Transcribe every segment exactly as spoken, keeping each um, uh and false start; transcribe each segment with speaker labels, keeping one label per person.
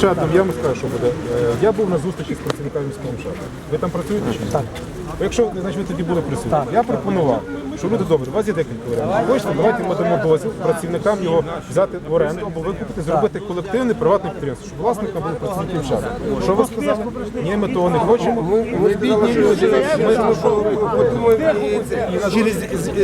Speaker 1: МШЕТом, я вам скажу, що буде. Е, Я був на зустрічі з працівниками міського МШЕТу. Ви там працюєте чи ні? Так. Якщо, значить, ви тоді були присутні. Я пропонував, що люди добре, у вас є декілька варіантів. Хочете, давайте ми дамо дозвіл працівникам його взяти в оренду або викупити, зробити колективне приватне підприємство, щоб власникам були працівники МШЕТу. Що ви сказали? Ні, ми того не хочемо.
Speaker 2: Ми бідні люди, через,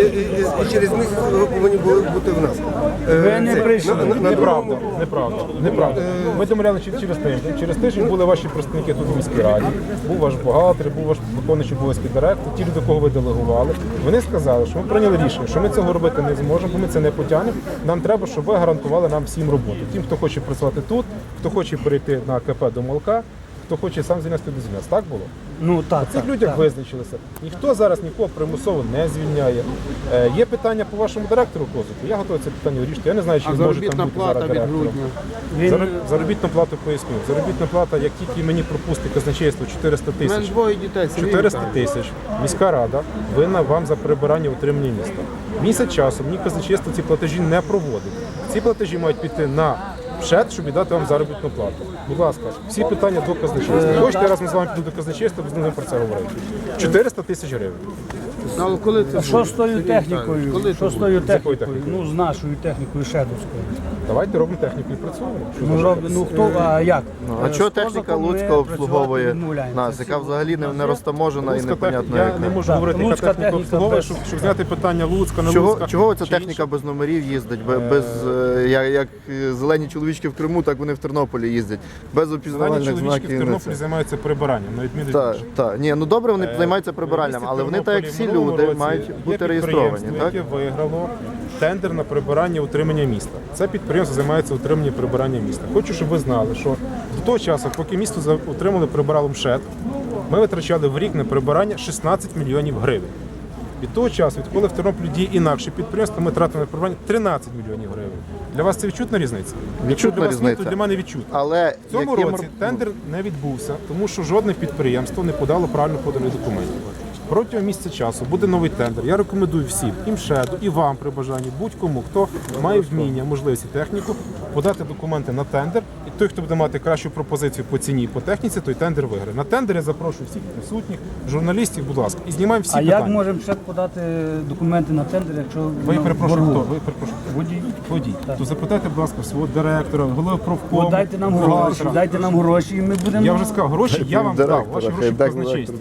Speaker 2: через місяць ви повинні були бути в нас.
Speaker 3: Ви не прийшли.
Speaker 1: Неправда, неправда, неправда. Ми домовляли через тиждень. Через тиждень були ваші представники тут у міській раді, був ваш бухгалтер, був ваш виконуючий обов'язки директор, ті люди, кого ви делегували. Вони сказали, що ми прийняли рішення, що ми цього робити не зможемо, бо ми це не потягнемо. Нам треба, щоб ви гарантували нам всім роботу. Тим, хто хоче працювати тут, хто хоче перейти на КП до молока, хто хоче сам звільнятися до звільняться. Так було?
Speaker 3: Ну так,
Speaker 1: Цих
Speaker 3: так,
Speaker 1: людях
Speaker 3: так.
Speaker 1: визначилися. Ніхто зараз нікого примусово не звільняє. Е, є питання по вашому директору Козику. Я готовий це питання вирішити. Я не знаю, чи
Speaker 2: А
Speaker 1: він може
Speaker 2: заробітна
Speaker 1: там бути
Speaker 2: плата
Speaker 1: зараз
Speaker 2: від
Speaker 1: директором.
Speaker 2: грудня?
Speaker 3: Він...
Speaker 1: Зароб- Заробітну плату поясню. Заробітна плата, як тільки мені пропустить казначейство чотириста
Speaker 2: У мене
Speaker 1: тисяч.
Speaker 2: двоє дітей. Сергій
Speaker 1: чотириста
Speaker 2: Віталійович.
Speaker 1: тисяч. Міська рада винна вам за прибирання утримання міста. Місяць часу мені казначейство ці платежі не проводить. Ці платежі мають піти на МШЕТ, щоб віддати вам заробітну плату. Будь ласка, всі питання до казначейства. Хочете, я разом з вами піду до казначейства, без ним про це говорити. чотириста тисяч гривень.
Speaker 2: Ну, але коли це
Speaker 3: Що
Speaker 2: буде?
Speaker 3: з тою
Speaker 2: Сергій
Speaker 3: технікою?
Speaker 2: Віталійович, коли
Speaker 3: Що
Speaker 2: це
Speaker 3: з
Speaker 2: буде?
Speaker 3: тою
Speaker 1: якою
Speaker 3: технікою?
Speaker 1: технікою?
Speaker 3: Ну, з нашою технікою шедовською.
Speaker 1: Давайте робимо техніку і працюємо. Що
Speaker 3: Ну,
Speaker 1: ви
Speaker 3: роб... ну хто, а як?
Speaker 4: А
Speaker 3: Е,
Speaker 4: чого
Speaker 3: з
Speaker 4: техніка
Speaker 3: Козаком ми
Speaker 4: Луцька
Speaker 3: працювати
Speaker 4: обслуговує
Speaker 3: відмовляємося.
Speaker 4: нас, яка взагалі не, не розтаможена і
Speaker 1: Луцька
Speaker 4: непонятно
Speaker 1: техніка, я
Speaker 4: яка?
Speaker 1: не можу
Speaker 3: Так,
Speaker 1: говорити, яка
Speaker 3: Луцька
Speaker 1: техніка
Speaker 3: техніка
Speaker 1: обслуговує,
Speaker 3: без-
Speaker 1: щоб, щоб зняти питання Луцька, не
Speaker 4: Чого,
Speaker 1: Луцька.
Speaker 4: чого ця
Speaker 1: чи
Speaker 4: техніка
Speaker 1: інше.
Speaker 4: без номерів їздить? Бе- Без, е, як, як е, зелені чоловічки в Криму, так вони в Тернополі їздять. Без
Speaker 1: Зелені
Speaker 4: опізнавальних
Speaker 1: чоловічки в
Speaker 4: знаків.
Speaker 1: Тернополі займаються прибиранням, на відміну від
Speaker 4: Так,
Speaker 1: інших.
Speaker 4: так. Ні, ну добре, вони
Speaker 1: Е,
Speaker 4: займаються прибиральням,
Speaker 1: в
Speaker 4: але вони,
Speaker 1: Тернополі
Speaker 4: так як всі
Speaker 1: в минулому
Speaker 4: люди,
Speaker 1: році
Speaker 4: мають
Speaker 1: є
Speaker 4: бути реєстровані.
Speaker 1: підприємство,
Speaker 4: Так?
Speaker 1: яке виграло тендер на прибирання утримання міста. Це підприємство займається утриманням і прибиранням міста. Хочу, щоб ви знали, що до того часу, поки місто за- утримали прибирало МШЕТ, ми витрачали в рік на прибирання шістнадцять мільйонів гривень. Від того часу, відколи в Тернополі діє інакше підприємство, ми тратимо на прибирання тринадцять мільйонів гривень. Для вас це відчутна різниця? Якщо
Speaker 4: Відчутна
Speaker 1: для вас ні,
Speaker 4: різниця.
Speaker 1: то для мене відчутна.
Speaker 4: Але
Speaker 1: В цьому
Speaker 4: яким
Speaker 1: році
Speaker 4: р-
Speaker 1: тендер не відбувся, тому що жодне підприємство не подало правильно поданих документів. Протягом місяця часу буде новий тендер. Я рекомендую всім, і МШЕДу, і вам при бажанні, будь-кому, хто має вміння, можливість і техніку, подати документи на тендер. І той, хто буде мати кращу пропозицію по ціні і по техніці, той тендер виграє. На тендер я запрошую всіх присутніх, журналістів, будь ласка, і знімаємо всі
Speaker 3: А
Speaker 1: питання.
Speaker 3: як можемо ще подати документи на тендер, якщо
Speaker 1: Ви
Speaker 3: ну,
Speaker 1: перепрошую,
Speaker 3: боргу?
Speaker 1: хто? Ви перепрошую.
Speaker 3: Водій.
Speaker 1: Водій. То запитайте, будь ласка, свого директора, голови профкому.
Speaker 3: От дайте нам гроші,
Speaker 1: бухгалтера.
Speaker 3: дайте нам гроші, і ми будемо.
Speaker 1: Я вже сказав, гроші я вам дав, ваші гроші в казначействі.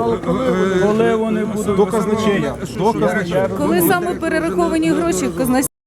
Speaker 3: Коли вони будуть
Speaker 1: До казначея. До казначея.
Speaker 5: Коли саме перераховані гроші в казначействі?